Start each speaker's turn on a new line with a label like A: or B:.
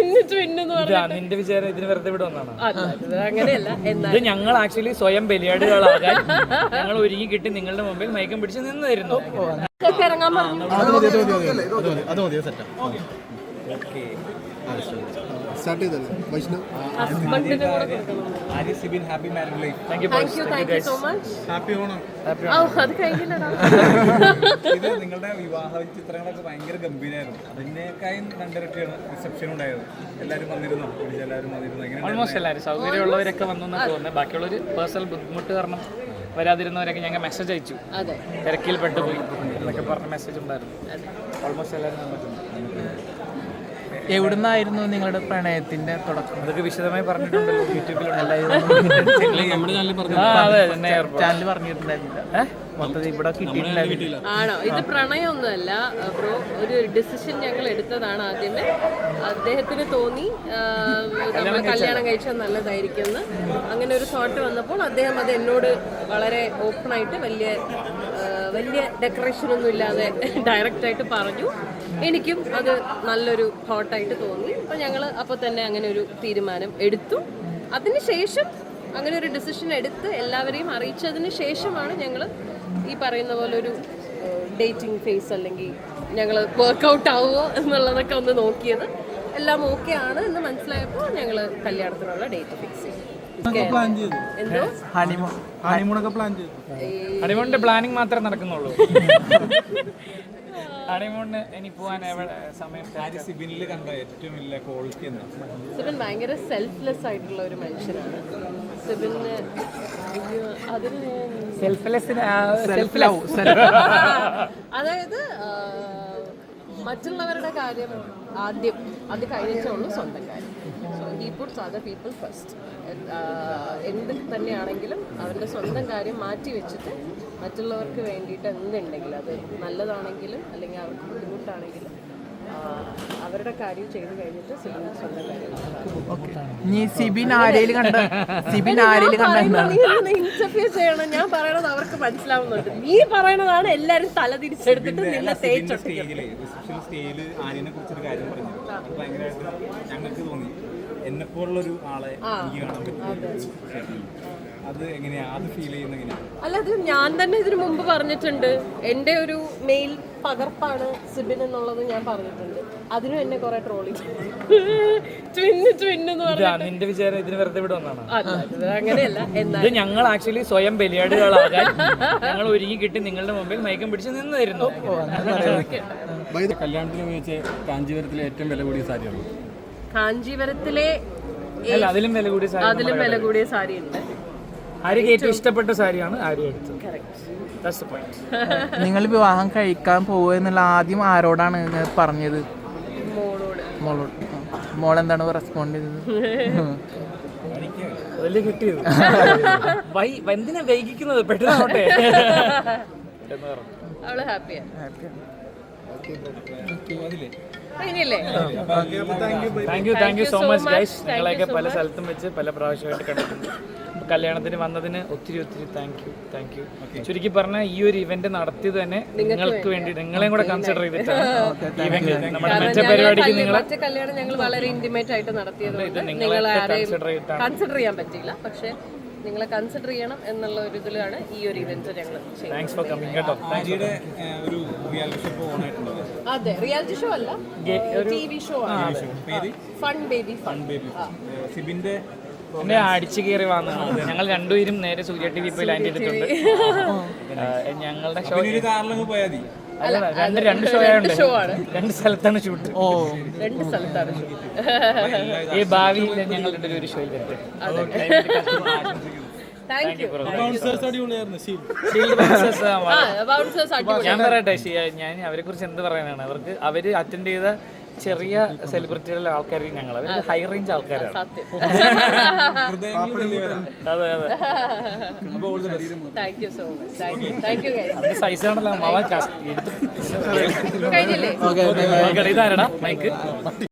A: നിന്റെ വിചാരം ഇതിന് വെറുതെ ഇവിടെ വന്നാണ്.
B: അങ്ങനെയല്ല,
A: ഇത് ഞങ്ങൾ ആക്ച്വലി സ്വയം ബലിയാടുകളാകാൻ ഞങ്ങൾ ഒരുങ്ങി കിട്ടി നിങ്ങളുടെ മുമ്പിൽ മയക്കം പിടിച്ച് നിന്നായിരുന്നു.
C: നിങ്ങളുടെ വിവാഹ ചിത്രങ്ങളൊക്കെ ഭയങ്കര ഗംഭീരമായിരുന്നു. അതിനേക്കായും രണ്ടിരട്ടിയാണ് റിസപ്ഷൻ ഉണ്ടായത്. എല്ലാവരും വന്നിരുന്നു,
A: ഓൾമോസ്റ്റ് എല്ലാവരും സൗകര്യമുള്ളവരൊക്കെ വന്നു എന്നാണ് തോന്നുന്നത്. ബാക്കിയുള്ളൊരു പേഴ്സണൽ ബുദ്ധിമുട്ട് കാരണം വരാതിരുന്നവരൊക്കെ ഞങ്ങൾ മെസ്സേജ് അയച്ചു, തിരക്കിൽ പെട്ടുപോയി എന്നൊക്കെ പറഞ്ഞ മെസ്സേജ് ഉണ്ടായിരുന്നു. ഓൾമോസ്റ്റ് എല്ലാവരും വന്നിട്ടുണ്ട്.
D: എവിടുന്നായിരുന്നു നിങ്ങളുടെ പ്രണയത്തിന്റെ തുടക്കം?
A: അതൊക്കെ വിശദമായി പറഞ്ഞിട്ടുണ്ടല്ലോ യൂട്യൂബിൽ
D: ചാനൽ പറഞ്ഞിട്ടുണ്ടായിരുന്നില്ല. മൊത്തത്തിൽ ഇവിടെ കിട്ടിയിട്ടുണ്ടായിരുന്നില്ല.
B: ആണോ? ഇത് പ്രണയമൊന്നുമല്ല ബ്രോ, ഒരു ഡിസിഷൻ ഞങ്ങൾ എടുത്തതാണ്. ആദ്യമേ അദ്ദേഹത്തിന് തോന്നി നമ്മൾ കല്യാണം കഴിച്ചാൽ നല്ലതായിരിക്കുമെന്ന്. അങ്ങനെ ഒരു തോട്ട് വന്നപ്പോൾ അദ്ദേഹം അത് എന്നോട് വളരെ ഓപ്പണായിട്ട് വലിയ ഡെക്കറേഷൻ ഒന്നും ഇല്ലാതെ ഡയറക്റ്റായിട്ട് പറഞ്ഞു. എനിക്കും അത് നല്ലൊരു തോട്ടായിട്ട് തോന്നി. അപ്പോൾ ഞങ്ങൾ അപ്പോൾ തന്നെ അങ്ങനെ ഒരു തീരുമാനം എടുത്തു. അതിനുശേഷം അങ്ങനെ ഒരു ഡിസിഷൻ എടുത്ത് എല്ലാവരെയും അറിയിച്ചതിന് ശേഷമാണ് ഞങ്ങൾ ഈ പറയുന്ന പോലെ ഒരു ഡേറ്റിംഗ് ഫേസ് അല്ലെങ്കിൽ ഞങ്ങൾ വർക്കൗട്ട് ആവുമോ എന്നുള്ളതൊക്കെ ഒന്ന് നോക്കിയത്. എല്ലാം ഓക്കെ ആണ് എന്ന് മനസ്സിലായപ്പോൾ ഞങ്ങൾ കല്യാണത്തിനുള്ള ഡേറ്റ് ഫിക്സ് ചെയ്തു. എന്തോ
A: ഹണിമൂണിന്റെ പ്ലാനിങ് മാത്രമേ നടക്കുന്നുള്ളൂ. ഹണിമൂണിന് ഇനി പോവാൻ സമയം.
C: സിബിനിൽ കണ്ട ഏറ്റവും വലിയ ക്വാളിറ്റി എന്താ?
B: സിബിൻ ഭയങ്കര സെൽഫ്ലെസ് ആയിട്ടുള്ള ഒരു മനുഷ്യനാണ്. സിബിന് അതായത് മറ്റുള്ളവരുടെ കാര്യം ആദ്യം, അത് കഴിഞ്ഞിട്ടേ ഉള്ളൂ സ്വന്തം കാര്യം. So he puts other people first. എന്ത് തന്നെയാണെങ്കിലും അവരുടെ സ്വന്തം കാര്യം മാറ്റി വെച്ചിട്ട് മറ്റുള്ളവർക്ക് വേണ്ടിയിട്ട് എന്തുണ്ടെങ്കിലും, അത് നല്ലതാണെങ്കിലും അല്ലെങ്കിൽ അവർക്ക് ബുദ്ധിമുട്ടാണെങ്കിലും അവരുടെ കാര്യം ചെയ്ത് കഴിഞ്ഞിട്ട് സിബിൻ സ്വന്തം കാര്യം. ഇന്റർവ്യൂ ചെയ്യണം. ഞാൻ പറയണത് അവർക്ക് മനസ്സിലാവുന്നുണ്ട്. നീ പറയണതാണ് എല്ലാരും തല തിരിച്ചെടുത്തിട്ട് നിന്നെ
C: ഞങ്ങൾക്ക് തോന്നി എന്നെപ്പോലുള്ളൊരു ആളെ എനിക്ക് കാണാൻ പറ്റും. അത് എങ്ങനെയാ അത് ഫീൽ ചെയ്യുന്ന എങ്ങനെയാ?
B: അല്ല, അത് ഞാൻ തന്നെ ഇതിനു മുമ്പ് പറഞ്ഞിട്ടുണ്ട്. എൻ്റെ ഒരു മെയിൽ പകർപ്പാണ് സിബിൻ എന്നുള്ളത് ഞാൻ പറഞ്ഞിട്ടുണ്ട്. അതിനും എന്നെ കുറെ ട്രോളി
A: നിന്റെ വിചാരം ഇതിന് വെറുതെ ഇവിടെ വന്നാണ്.
B: അങ്ങനെയല്ല,
A: ഇത് ഞങ്ങൾ ആക്ച്വലി സ്വയം ബലിയാടുകളാകാൻ ഞങ്ങൾ ഒരുങ്ങി കിട്ടി നിങ്ങളുടെ മുമ്പിൽ മയക്കം പിടിച്ച് നിന്നായിരുന്നു.
C: കല്യാണത്തിന് ഉപയോഗിച്ച കാഞ്ചീപുരത്തിലെ ഏറ്റവും വില കൂടിയ സാരിയാണ്.
B: കാഞ്ചീപുരത്തിലെ
A: അതിലും വില കൂടിയ
B: സാരി ഉണ്ട്.
A: ആര്യക്ക് ഏറ്റവും ഇഷ്ടപ്പെട്ട സാരിയാണ് ആര്യ എടുത്തത്.
D: നിങ്ങൾ വിവാഹം കഴിക്കാൻ പോവുക എന്നുള്ള ആദ്യം ആരോടാണ് പറഞ്ഞത്? മോളോട്. മോളെന്താണ് റെസ്പോണ്ട് ചെയ്തത്?
A: അതല്ലേ കിട്ടിയത്. എന്തിനാ വൈകിക്കുന്നത്, പെട്ടെന്നാവട്ടെ.
B: അവള് ഹാപ്പിയാണ്.
A: Thank you so much guys. നിങ്ങളെയൊക്കെ പല സ്ഥലത്തും വെച്ച് പല പ്രാവശ്യമായിട്ട് കണ്ടിട്ടുണ്ട്. കല്യാണത്തിന് വന്നതിന് ഒത്തിരി താങ്ക് യു. ചുരുക്കി പറഞ്ഞാൽ ഈ ഒരു ഇവന്റ് നടത്തിയത് തന്നെ നിങ്ങൾക്ക് വേണ്ടി, നിങ്ങളെയും കൂടെ കൺസിഡർ ചെയ്തിട്ടാണ്. നമ്മുടെ മറ്റേ പരിപാടിക്ക്
B: മറ്റേ കല്യാണം ഞങ്ങൾ വളരെ ഇന്റിമേറ്റ് ആയിട്ട് നടത്തിയത് കൺസിഡർ ചെയ്യാൻ പറ്റിയില്ല. പക്ഷെ നിങ്ങളെ കൺസിഡർ ചെയ്യണം എന്നുള്ള ഒരു ഇതിലാണ് ഈ ഒരു ഇവന്റ് ഞങ്ങൾ ചെയ്യുന്നത്. അതെ, റിയാലിറ്റി ഷോ അല്ല, TV ഷോ ആണ്. Fun baby.
A: എന്നെ അടിച്ചു കയറി വന്നതാണ്. ഞങ്ങൾ രണ്ടുപേരും നേരെ സൂര്യ TV പോയി ലാൻഡ് ചെയ്തിട്ടുണ്ട്. ഞങ്ങളുടെ ഷോ രണ്ട് ഷോ ആണ്. രണ്ട് സ്ഥലത്താണ് ഷൂട്ട്. ഈ ഭാവിയിൽ ഞങ്ങൾ ഒരു ഷോയിൽ വരട്ടെ. ഞാൻ പറയട്ടെ, ഞാൻ അവരെ കുറിച്ച് എന്ത് പറയാനാണ്. അവര് അറ്റൻഡ് ചെയ്ത ചെറിയ സെലിബ്രിറ്റികളുടെ ആൾക്കാർക്ക് ഞങ്ങൾ ഹൈ റേഞ്ച് ആൾക്കാരാണ്. സൈസാണല്ലോ. ഇതാരടാ മൈക്ക്?